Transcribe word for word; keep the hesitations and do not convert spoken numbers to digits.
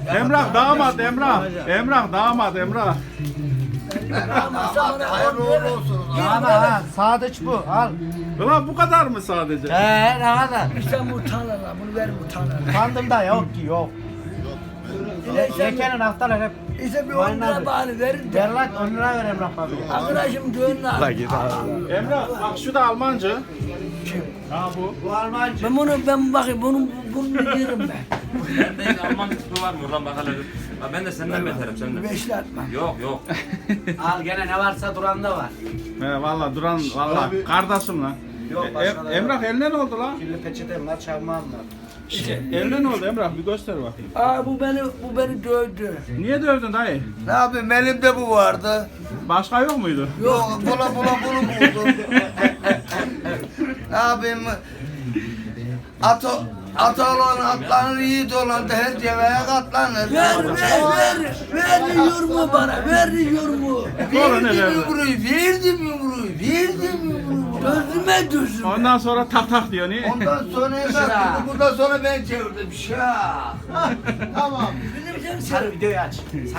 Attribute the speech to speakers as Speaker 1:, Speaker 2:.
Speaker 1: Emrah damat Emrah. Emrah damat Emrah.
Speaker 2: Hayırlı uğurlu olsun.
Speaker 3: Ama ha, sadıç bu. Al.
Speaker 1: Ulan bu kadar mı sadece?
Speaker 3: He, ne kadar?
Speaker 4: İşte bu tanrılar, bunu ver bu tanrılar.
Speaker 3: Kandım da yok ki, yok. Şekerin haftalar hep.
Speaker 4: İşte bir on lira bari verin de.
Speaker 3: Ver lan, on lira ver Emrah abi.
Speaker 4: Arkadaşım düğünle al.
Speaker 1: Emrah bak şu da Almanca. Ha bu.
Speaker 3: Bu Almancı.
Speaker 4: Ben bunu, ben bakayım, bunu, bunu yerim ben.
Speaker 5: Bende Alman tipi var mı? Ulan bak hele. Ha, ben de senden beterim senden.
Speaker 4: Beşli atmam.
Speaker 5: Yok yok.
Speaker 3: Al gene ne varsa duranda var.
Speaker 1: He valla duran valla kardeşim lan.
Speaker 3: Yok,
Speaker 1: E,
Speaker 3: başka da yok.
Speaker 1: Emrah eline ne oldu lan?
Speaker 3: Kirli peçetem var, çakmağım var.
Speaker 1: Eline ne oldu Emrah bir göster bakayım.
Speaker 4: Aa bu beni, bu beni dövdü.
Speaker 1: Niye dövdün dayı?
Speaker 2: Ne yapayım elimde bu vardı.
Speaker 1: Başka yok muydu?
Speaker 2: Yok bula bula bunu buldum. Ne yapayım? Atı, atı olan atlanır, yiğit olan da her cevaya katlanır.
Speaker 4: Ver, ver, ver, ver yumruğu bana, ver yumruğu.
Speaker 1: Sonra ne
Speaker 2: Verdim
Speaker 1: verdi?
Speaker 2: yumruğu, verdim yumruğu, verdim yumruğu.
Speaker 4: Gözüme düzüm.
Speaker 1: Ondan sonra tak tak diyor niye?
Speaker 2: Ondan sonra ne yaptı? Bundan sonra ben çevirdim. Şah. Tamam.
Speaker 4: Bizim
Speaker 3: Sarı videoyu aç.